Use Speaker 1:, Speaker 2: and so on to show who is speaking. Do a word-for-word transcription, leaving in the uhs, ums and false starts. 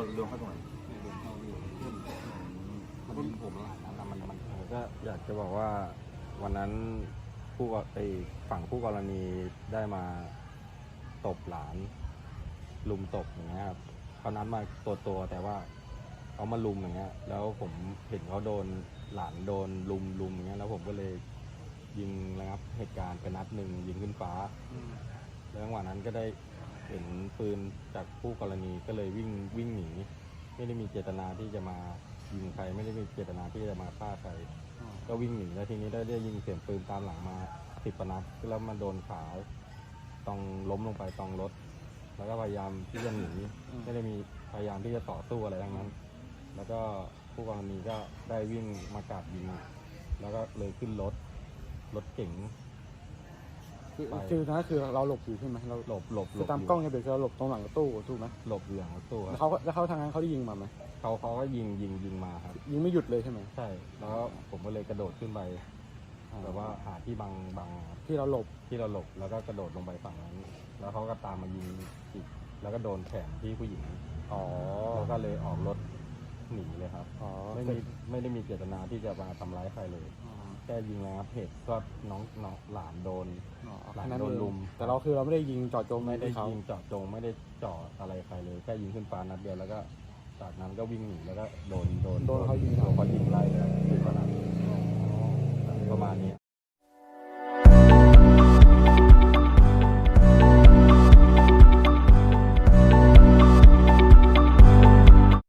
Speaker 1: โดนเข้าตรงไหน
Speaker 2: เนี่ยโดนเข้าที่ขึ้นมันยิงผมหลายนัดแล้วมันมัน
Speaker 3: ก็อยากจะบอกว่าวันนั้นผู้ไอ้ฝั่งผู้กรณีได้มาตบหลานลุมตบอย่างเงี้ยครับเขานัดมาตัวตัวแต่ว่าเขามาลุมอย่างเงี้ยแล้วผมเห็นเขาโดนหลานโดนลุมลุมอย่างเงี้ยแล้วผมก็เลยยิงระงับเหตุการณ์ไปนัดหนึ่งยิงขึ้นฟ้าแล้วจังหวะนั้นก็ได้เห็นปืนจากผู้กรณีก็เลยวิ่งวิ่งหนีไม่ได้มีเจตนาที่จะมายิงใครไม่ได้มีเจตนาที่จะมาฆ่าใครก็วิ่งหนีแล้วทีนี้ได้ได้ยิงเสียงปืนตามหลังมาสิบปนัดแล้วมันโดนขาต้องล้มลงไปตรงรถแล้วก็พยายามที่จะหนีไม่ได้มีพยายามที่จะต่อสู้อะไรทั้งนั้นแล้วก็ผู้กรณีก็ได้วิ่งมากราดยิงแล้วก็เลยขึ้นรถรถเก๋ง
Speaker 4: คือคือนะคือเราหลบอยู่ใช่ไหมเรา
Speaker 3: หลบหลบหล
Speaker 4: คือบ ตามกล้องเนี่ยเบรกเราหลบตรงหลังรถตู้ถูกไหม
Speaker 3: หลบอยู่หลังรถตู้ค
Speaker 4: แล้
Speaker 3: รั
Speaker 4: ว
Speaker 3: บ
Speaker 4: เขาแล้วเขาทางนั้นเขาได้ยิงมาไหม
Speaker 3: เขาเขาก็ยิงยิงยิงมาครับ
Speaker 4: ยิงไม่หยุดเลยใช่ไหม
Speaker 3: ใช่แล้วผมก็เลยกระโดดขึ้นไปแบบว่าหาที่บังบังครับ
Speaker 4: ที่เราหลบ
Speaker 3: ที่เราหลบแล้วก็กระโดดลงไปฝั่งนั้นแล้วเขาก็ตามมายิงอีกแล้วก็โดนแขนที่ผู้หญิง
Speaker 4: อ๋อ
Speaker 3: แล้วก็เลยออกรถหนีเลยครับ
Speaker 4: อ๋อ
Speaker 3: ไม่มีไม่ได้มีเจตนาที่จะมาทำร้ายใครเลย
Speaker 4: อ๋อ
Speaker 3: แค่ยิงนะครับเหตุก็น้องน้องหลานโดน
Speaker 4: อ๋อ
Speaker 3: หลัง
Speaker 4: แค่นั้น
Speaker 3: โดน
Speaker 4: เอง
Speaker 3: ลุม
Speaker 4: แต่เราคือเราไม่ได้ยิงเจาะจง
Speaker 3: ไม่ได้
Speaker 4: ที่เขา
Speaker 3: ยิงเจาะจงไม่ได้เจาะอะไรใครเลยแค่ยิงขึ้นฟ้านัดเดียวแล้วก็จากนั้นก็วิ่งหนีแล้วก็โดนโดน
Speaker 4: โดนเขายิง
Speaker 3: โดนเขายิงไล่เลยครับคือประมาณนี้ประมาณนี้